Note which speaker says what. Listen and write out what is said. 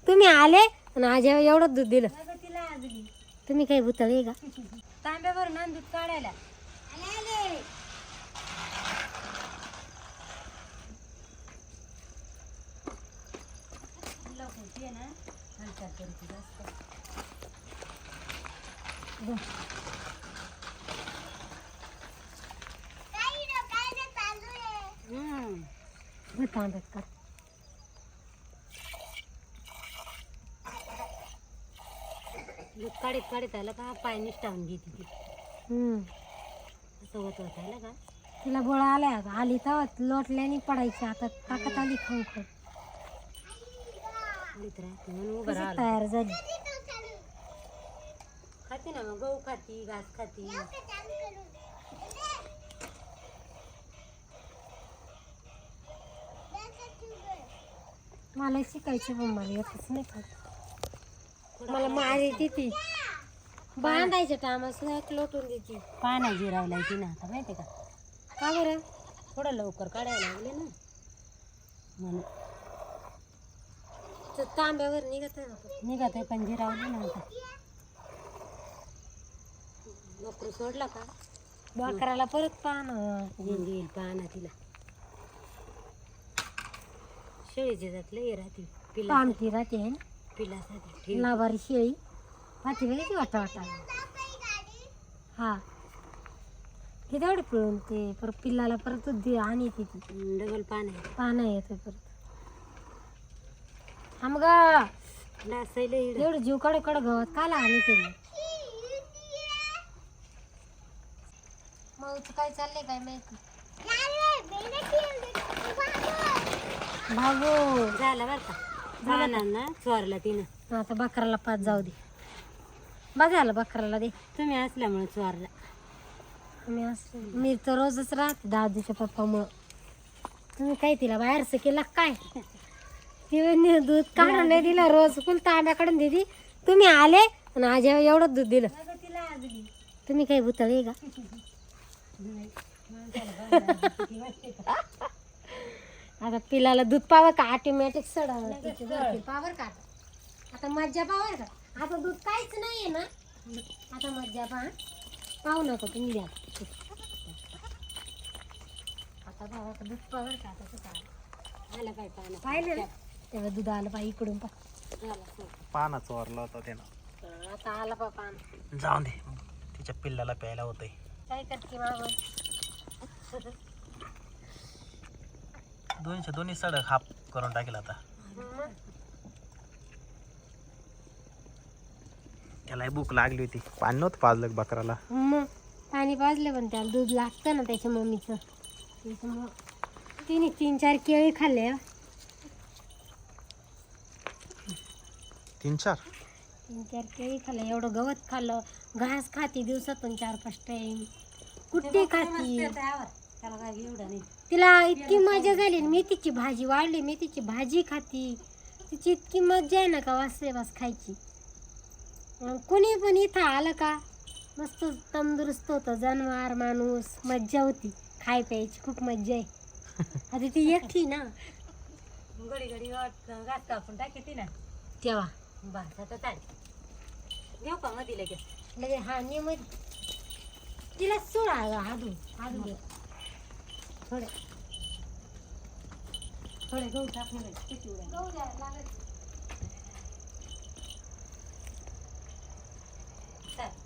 Speaker 1: तुम्ही आले आणि आज एवढं दूध दिलं. तुम्ही काही भुतळे का? तांब्यावर ना दूध काढायला तांब्यात कर. दूध काढीत काढीत आलं का पाय निष्ठावून घेते ती. असं होत होत आलं का तिला गोळा आल्या आली तर लोटल्याने पडायची. आता ताकद आली खाऊ खाऊ तयार झाली. खाते ना मग गहू खाती घास खाती. मला शिकायचं पण मला येतच नाही खात. मला मारी ती बांधायच्या टायमाला लोटून देते. पाण्या जिरावला ती ना आता माहिती का? का बरं थोडं लवकर काढायला लागले ना म्हणून. तांब्यावर निघत आहे पण जिरावली ना आता. बकरू सोडला का बकराला परत पाहणं येईल पाहणं तिला. शेळीची जात लई राहते पामती राहते आहे ना पिलासाठी. लाभारी शेळी पाठी वेगळी वाटा वाटा. हा किती तेवढे पिळून ते परत पिल्लाला परत आणि ती डबल पानं येते परत. आम ग एवढं जीव कडे कडे गवत काला आणि ते मग काय चाललंय काय माहिती. भाऊ झाला बरं का झाला ना चोरला तिनं. आता बकराला पाच जाऊ दे. बघायला बकराला दे. तुम्ही असल्यामुळे चोरला. मी तर रोजच राहते दादूच्या पप्पामुळं. तुम्ही काय तिला बाहेरचं केलं काय? ती दूध काढून नाही दिलं रोज फुल तांब्याकडून दिली. तुम्ही आले आणि आज एवढं दूध दिलं. तुम्ही काही भुतळे का? आता पिलाला दूध पावर का ऑटोमॅटिक सड पावर का? आता मज्जा पावर का? आता दूध काहीच नाहीये ना. आता मज्जा पाहू नको तुम्ही द्या. आता भावा दूध पावर का? आता आलं पाय पाहिलं पाहिलं ना तेव्हा दूध आलं पाय इकडून
Speaker 2: पाना चोरला होता त्यानं.
Speaker 1: आता आला पा पान.
Speaker 2: जाऊन दे तिच्या पिल्लाला प्यायला होतंय.
Speaker 1: काय करते बाबा?
Speaker 2: दोन्ही सड हाप करून टाकेल आता. त्याला भूक लागली होती. पाणी नव्हतं पाजलं बकराला.
Speaker 1: मग पाणी पाजलं पण त्याला दूध लागतं ना त्याच्या मम्मीचं. त्याच्यामुळं तिने 3-4 केळी खाल्ले.
Speaker 2: 3-4
Speaker 1: केळी खाल्लं. एवढं गवत खाल्लं. घास खाती दिवसातून 4-5 टाइम. कुठे खाती तिला इतकी मजा झाली. मेथीची भाजी वाढली. मेथीची भाजी खाती. तिची इतकी मजा आहे ना का वास खायची. कोणी पण इथं आलं का मस्त तंदुरुस्त होतं. जनावर माणूस मज्जा होती. खाय प्यायची खूप मज्जा आहे. आता ती एकटी ना घडी घास कापून टाकी ना तेव्हा बस. आता चालेल देऊ का मध्ये लगेच हा ने मध्ये तिला सोडा हादू दे. थोडे गहू टाकले गहू द्यायला लागत.